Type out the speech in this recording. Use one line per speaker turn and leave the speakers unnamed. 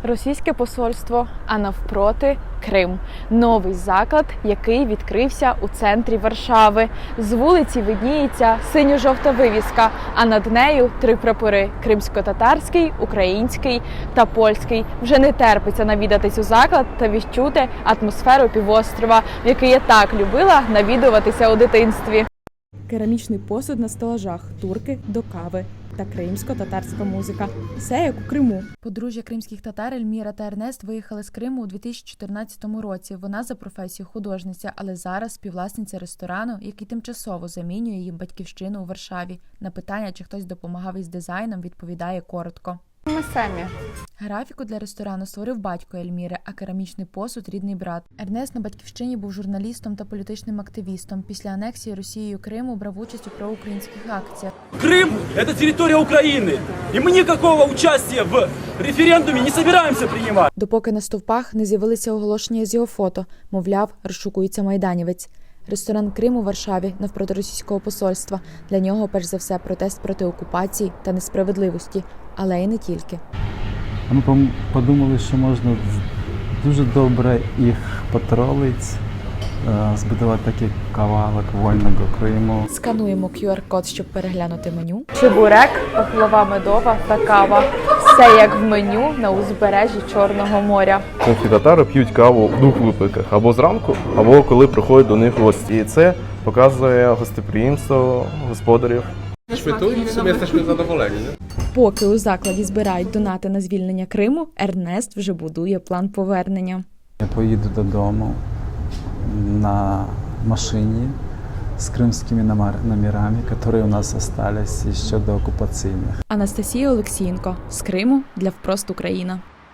Російське посольство, а навпроти Крим. Новий заклад, який відкрився у центрі Варшави. З вулиці видніється синьо-жовта вивіска, а над нею три прапори – кримсько-татарський, український та польський. Вже не терпиться навідатись у заклад та відчути атмосферу півострова, в який я так любила навідуватися у дитинстві. Керамічний посуд на стелажах, турки до кави та кримсько-татарська музика. Все як у Криму.
Подружжя кримських татар Ельміра та Ернест виїхали з Криму у 2014 році. Вона за професією художниця, але зараз співвласниця ресторану, який тимчасово замінює їм батьківщину у Варшаві. На питання, чи хтось допомагав із дизайном, відповідає коротко.
Ми самі.
Графіку для ресторану створив батько Ельміри, а керамічний посуд – рідний брат. Ернест на батьківщині був журналістом та політичним активістом. Після анексії Росією Криму брав участь у проукраїнських акціях.
Крым – это территория Украины, и мы никакого участия в референдуме не собираемся принимать.
Допоки на стовпах не з'явилися оголошення з його фото, мовляв, розшукується майданівець. Ресторан «Крим» у Варшаві навпроти російського посольства. Для нього, перш за все, протест проти окупації та несправедливості. Але і не тільки.
Ми подумали, що можна дуже добре їх потролити, збудувати такий кавалок вольного Криму.
Скануємо QR-код, щоб переглянути меню.
Чебурек, пахлава медова та кава. Все як в меню на узбережжі Чорного моря.
Кримські татари п'ють каву в двох випадках: або зранку, або коли приходять до них гості. І це показує гостеприємство господарів.
W sumie jesteśmy zadowoleni, nie?
Поки у закладі збирають донати на звільнення Криму, Ернест вже будує план повернення.
Я поїду додому на машині з кримськими номерами, які у нас залишились ще до окупаційних.
Анастасія Олексієнко. З Криму для «Впрост Україна».